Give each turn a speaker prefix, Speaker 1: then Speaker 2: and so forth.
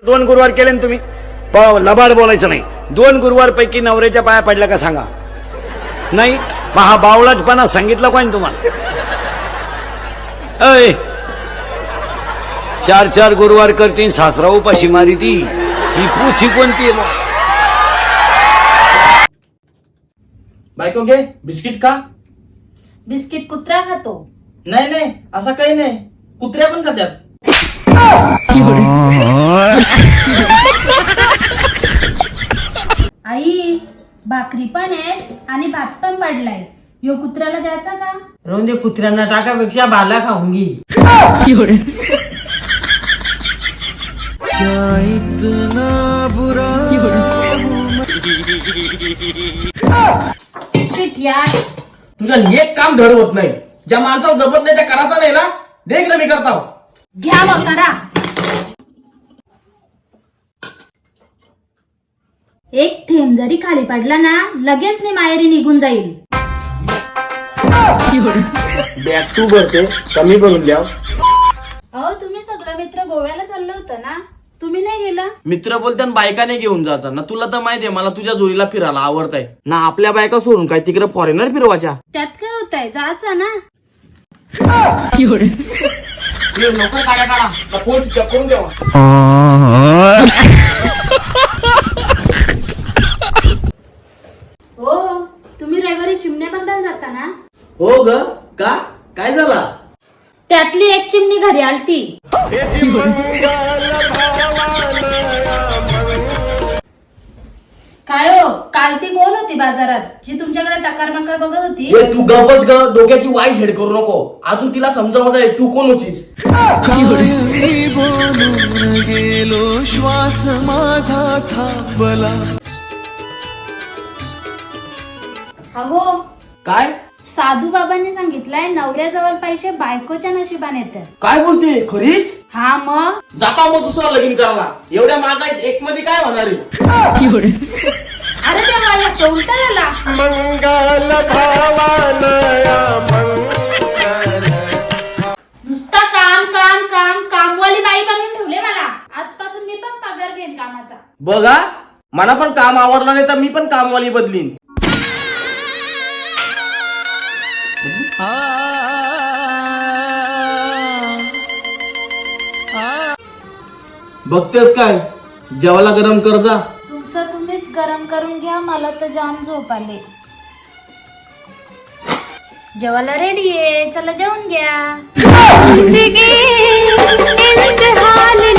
Speaker 1: 2 गुरुवार केले ना तुम्ही, लबाड बोलायचं नाही. 2 गुरुवार पैकी नवऱ्याच्या पाया पडल्या का सांगा. नाही मग हा बावळटपणा सांगितला कोणी तुम्हाला? 4 गुरुवार करतीन सासरा उपाशी मारी ती. ही पुथी कोणती आहे?
Speaker 2: बायको घे बिस्किट का?
Speaker 3: बिस्किट कुत्रा खातो.
Speaker 2: नाही नाही असं काही नाही, कुत्र्या पण खात्यात.
Speaker 3: आई भाकरी पण आहे आणि भात पण पडलाय, यो कुत्र्याला द्यायचा का?
Speaker 4: राहून दे, कुत्र्यांना टाकापेक्षा भाला खाऊन घे.
Speaker 3: शिट यार,
Speaker 2: तुझं एक काम धड होत नाही. ज्या माणसाला जमत नाही त्या करायचा नाही ना. देख ना मी करता.
Speaker 3: घ्या मग करा. एक थेंब जरी खाली पडला ना, लगेच मी माहेरी निघून जाईल.
Speaker 2: बॅग तू भरते, कमी भरून द्या.
Speaker 3: अहो तुम्ही सगळं मित्र गोव्याला चाललं होतं ना, तुम्ही नाही गेला?
Speaker 2: मित्र बोलते बायकाने घेऊन जातात ना. तुला तर माहितीये मला तुझ्या जोडीला फिरायला आवडतंय ना. आपल्या बायका सोडून काय तिकडे फॉरेनर फिरवायच्या?
Speaker 3: त्यात काय होतंय, जायचं ना.
Speaker 2: लवकर काढा काढा, फोन स्विच ऑफ करून द्यावा.
Speaker 3: हो तुम्ही रविवारी चिमण्या बघायला जाता ना?
Speaker 2: हो ग, का काय झाला?
Speaker 3: त्यातली एक चिमणी घरी आलती. काय हो, काल ती कोण होती बाजारात जी तुमच्याकडे टकार मकार बघत होती?
Speaker 2: तू गपच ग, डोक्याची वाई हेड करू नको. अजून तिला समजावत आहे तू कोण होतीस.
Speaker 5: कायमी बोलून गेलो, श्वास माझा थांबला.
Speaker 3: अहो
Speaker 2: काय
Speaker 3: साधू बाबांनी सांगितलंय, नवऱ्याजवळ पैसे बायकोच्या नशिबाने येतात.
Speaker 2: काय बोलते खरीच?
Speaker 3: हा मग
Speaker 2: जाता मग दुसरा लगीन करायला. एवढ्या महागाईत एक मध्ये काय होणार आहे?
Speaker 3: अरे तेव्हा या उलटा झाला. नुसता काम काम काम, कामवाली बाई बनवून ठेवले मला. आजपासून मी पण पगार घेईन कामाचा.
Speaker 2: बघा, मला पण काम आवडलं नाही तर मी पण कामवाली बदलीन. बघतेस काय, जेवायला गरम कर जा.
Speaker 3: तुमचं तुम्हीच गरम करून घ्या, मला तर जाम झोप आले. जेवायला रेडी आहे, चला जेवून घ्या.